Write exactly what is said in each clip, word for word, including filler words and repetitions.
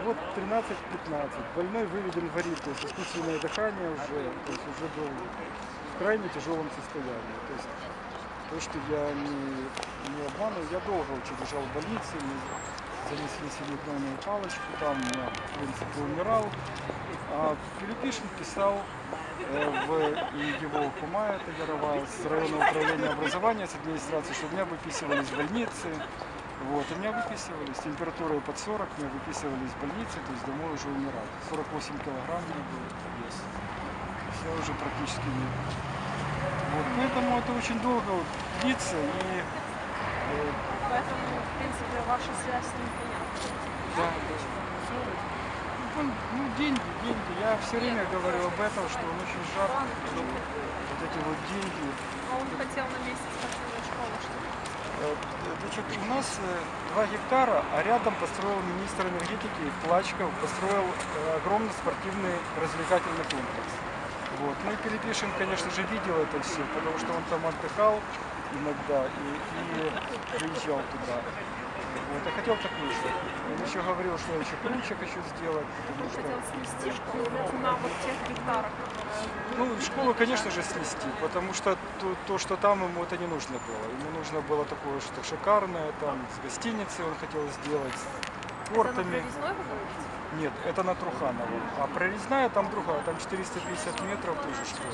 вот тринадцать-пятнадцать. Больной выведен в арит, то есть искусственное дыхание уже, то есть уже был в крайне тяжелом состоянии. То есть то, что я не, не обманываю, я долго очень лежал в больнице, мне занесли селитровую палочку, там я, в принципе, умирал. А Филиппишин писал э, в его кума, это Ярова, с районного управления образования, с администрации, что меня выписывались в больнице. Вот, и меня выписывались, с температурой под сорок, меня выписывались в больнице, то есть домой уже умирать. сорок восемь килограмм у меня был вес. Я уже практически не... Вот, поэтому это очень долго вот длится и... Э... Поэтому, в принципе, ваша связь с ним понятна. Да, да. Ну, ну, деньги, деньги. Я все время говорю об этом, что он очень жадный. Вот эти вот деньги. А он хотел на месте спортивной школы, что ли? Значит, у нас два гектара, а рядом построил министр энергетики Плачков, построил огромный спортивный развлекательный комплекс. Вот. Ну и Пилипишин, конечно же, видел это все, потому что он там отдыхал иногда и, и приезжал туда. Вот. Я хотел такую же. Он еще говорил, что я еще круче хочу сделать. Он что... хотел снести школу на вот тех гектарах. Ну, школу, конечно же, снести, потому что то, то, что там ему это не нужно было. Ему нужно было такое что шикарное, там с гостиницей он хотел сделать, с портами. Это на Прорезной вы говорите? Нет, это на Труханово. А Прорезная там другая, там четыреста пятьдесят метров тоже школа.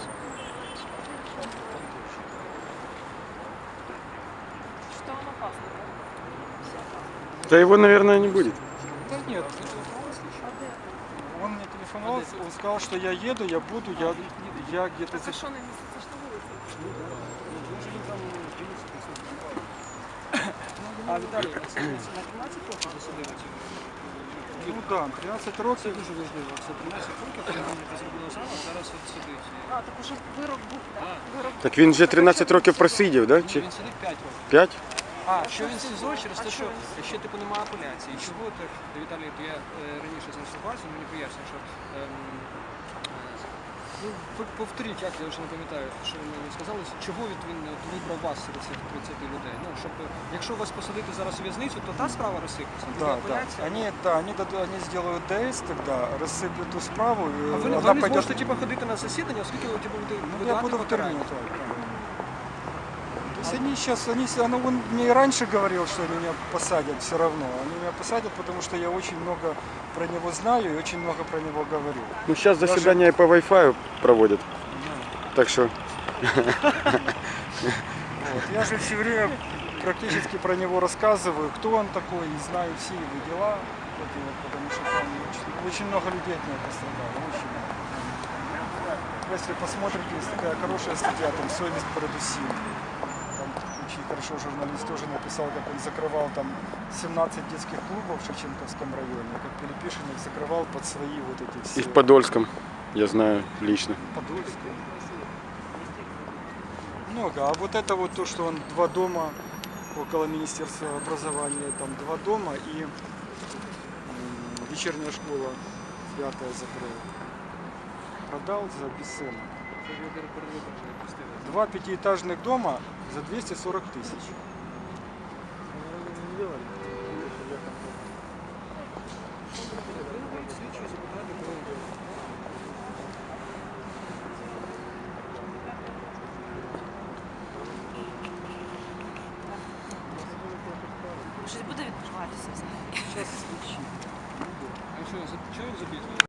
Что он опасно? Да его, наверное, не будет. Да нет. Он мне телефоновал, он сказал, что я еду, я буду, я, я где-то... Разрешенное месяца, что вы А Віталій, це на тринадцять років засудили? Ну так, тринадцять років. Це дуже важливо. Це тринадцять років, коли ви зробили саме, зараз от сидить. А, так уже вирок був, так? Вирок... Так він вже тринадцять років просидів, да? Чи Він сидить п'ять років. п'ять? А, що він в СІЗО через те, А що що ще типу немає апеляції. Чого так, Віталій, то я е, раніше знав ситуацію, мені пояснює, що ем, е, ну, повторіть, як я вже не пам'ятаю, що ви мені сказали, чого від він от, вибрав вас серед цих тридцяти людей. Ну, щоб, якщо вас посадити зараз у в'язницю, то та справа розсипеться. Да, да. Апеляція. Они, да, они, дадут, они сделают ДС тогда, рассыплют ту справу, и А ви, она ви не пойдет... зможете типу, ходити на засідання, оскільки ви типу, будете Ну, я видавати буду в тюрьме. покарання. Да, да. То есть они сейчас, они, оно, он мне и раньше говорил, что они меня посадят все равно. Они меня посадят, потому что я очень много про него знаю и очень много про него говорю. Ну, сейчас заседания по Wi-Fi проводят. Так что... Вот. Я же все время практически про него рассказываю, кто он такой, и знаю все его дела, вот, и вот, потому что там очень, очень много людей от него пострадало, очень много. Если посмотрите, есть такая хорошая статья, там «Совесть продусил». Там очень хорошо журналист тоже написал, как он закрывал там семнадцать детских клубов в Шевченковском районе, как Пилипишин их закрывал под свои вот эти все... И в Подольском, я знаю лично. Подольском. Много. А вот это вот то, что он два дома около Министерства образования, там два дома и м, вечерняя школа пятая закрыл. Продал за бесценок. Два пятиэтажных дома за двести сорок тысяч. Щось буде відбуватися взагалі? Сейчас слідчі. А що, за- чого він забіг?